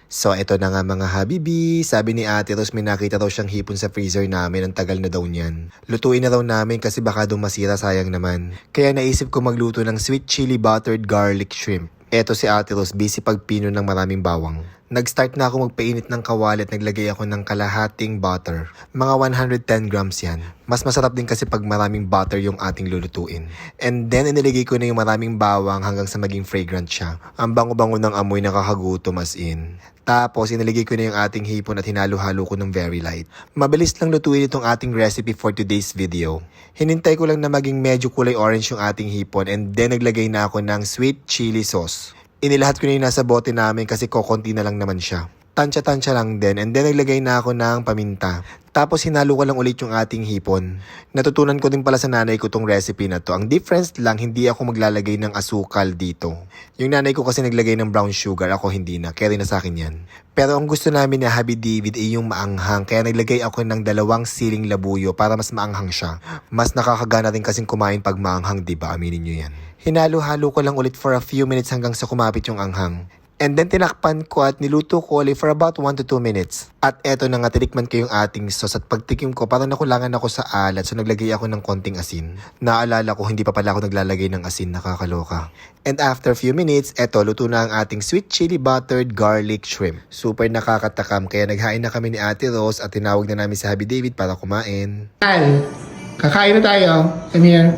So eto na nga mga habibi, sabi ni Ate Rose may nakita raw siyang hipon sa freezer namin, ang tagal na daw niyan. Lutuin na raw namin kasi baka daw masira, sayang naman. Kaya naisip ko magluto ng sweet chili buttered garlic shrimp. Eto si Ate Rose, busy pagpino ng maraming bawang. Nag-start na ako magpainit ng kawali at naglagay ako ng kalahating butter. Mga 110 grams yan. Mas masarap din kasi pag maraming butter yung ating lulutuin. And then inilagay ko na yung maraming bawang hanggang sa maging fragrant siya. Ang bango-bango ng amoy, nakakagutom as in. Tapos inilagay ko na yung ating hipon at hinalo-halo ko ng very light. Mabilis lang lutuin itong ating recipe for today's video. Hinintay ko lang na maging medyo kulay orange yung ating hipon and then naglagay na ako ng sweet chili sauce. Inilahat ko na yung nasa bote namin kasi kokonti na lang naman siya. Tansya-tansya lang din and then naglagay na ako ng paminta. Tapos hinalo ko lang ulit yung ating hipon. Natutunan ko din pala sa nanay ko tong recipe na to. Ang difference lang, hindi ako maglalagay ng asukal dito. Yung nanay ko kasi naglagay ng brown sugar, ako hindi na. Kaya rin na sa akin yan. Pero ang gusto namin na Happy David ay yung maanghang. Kaya naglagay ako ng 2 siling labuyo para mas maanghang siya. Mas nakakagana rin kasing kumain pag maanghang, diba? Aminin nyo yan. Hinalo-halo ko lang ulit for a few minutes hanggang sa kumapit yung anghang. And then tinakpan ko at niluto ko ulit for about 1 to 2 minutes. At eto na nga, tinikman ko yung ating sauce at pagtikim ko parang nakulangan ako sa alat, so naglagay ako ng konting asin. Naalala ko hindi pa pala ako naglalagay ng asin, nakakaloka. And after few minutes, eto luto na ang ating sweet chili buttered garlic shrimp. Super nakakatakam kaya naghain na kami ni Ate Rose at tinawag na namin si Happy David para kumain. Kakain na tayo. Come here.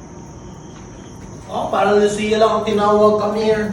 Oh, parang Lucia lang ang tinawag, come here.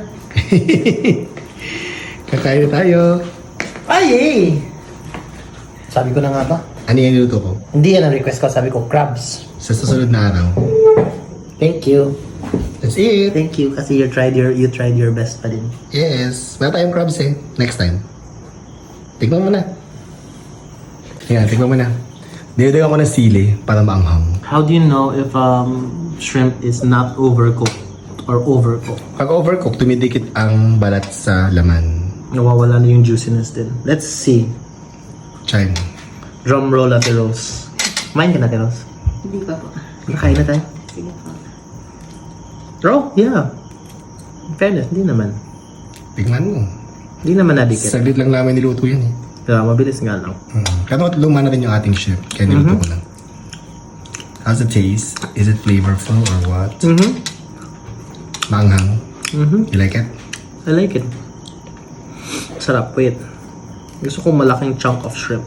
Kakain na tayo. Ay, eh! Sabi ko na nga ba? Ano yung niluto ko? Hindi yan ang request ko, sabi ko crabs. Sa susunod na araw. Thank you. That's it. Thank you kasi you tried your best pa din. Yes. Wala tayong crabs eh. Next time. Tikman mo na. Yan, tikman mo na. Dinadagan ko ng sili para maanghang. How do you know if shrimp is not overcooked or overcooked? Pag overcook, tumidikit ang balat sa laman. Nawawala na yung juiciness din. Let's see. Try mo. Drum roll, Ate Rose. Kumain ka na, Ate Rose? Hindi pa po. Nakain na tayo? Sige po. Oh, yeah. In fairness, hindi naman. Tikman mo. Hindi naman nadikit. Saglit lang namin niluto yan eh. Diba, mabilis nga lang. Kaya luma na rin yung ating shrimp. Kaya niluto ko lang. How's the taste? Is it flavorful or what? Maanghang. You like it? I like it. Sarap. Wait. Gusto ko malaking chunk of shrimp.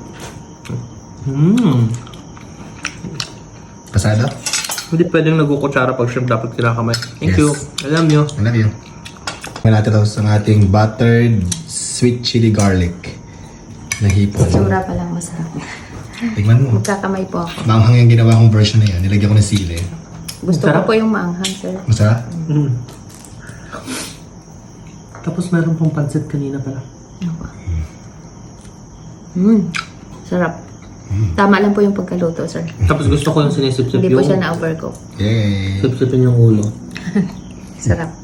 Pasado? Hindi pwedeng nagkukutsara pag shrimp, dapat kinakamay. Thank Yes. you. Alam nyo. I love you. Ngayon natin tapos ang ating buttered sweet chili garlic na hipon. Tsura pa lang masarap. Tignan mo. Magkakamay po ako. Maanghang yung ginawa kong version na yan. Nilagyan ko ng sili. Gusto ko Masarap. po yung maanghang, sir. Masarap? Tapos meron pong pansit kanina pala. Ano po? Sarap. Tama lang po yung pagkaluto, sir. Tapos gusto ko yung sinisip-sip Hindi yung... po siya na-overcook. Yay! Sip-sipin yung ulo. Sarap.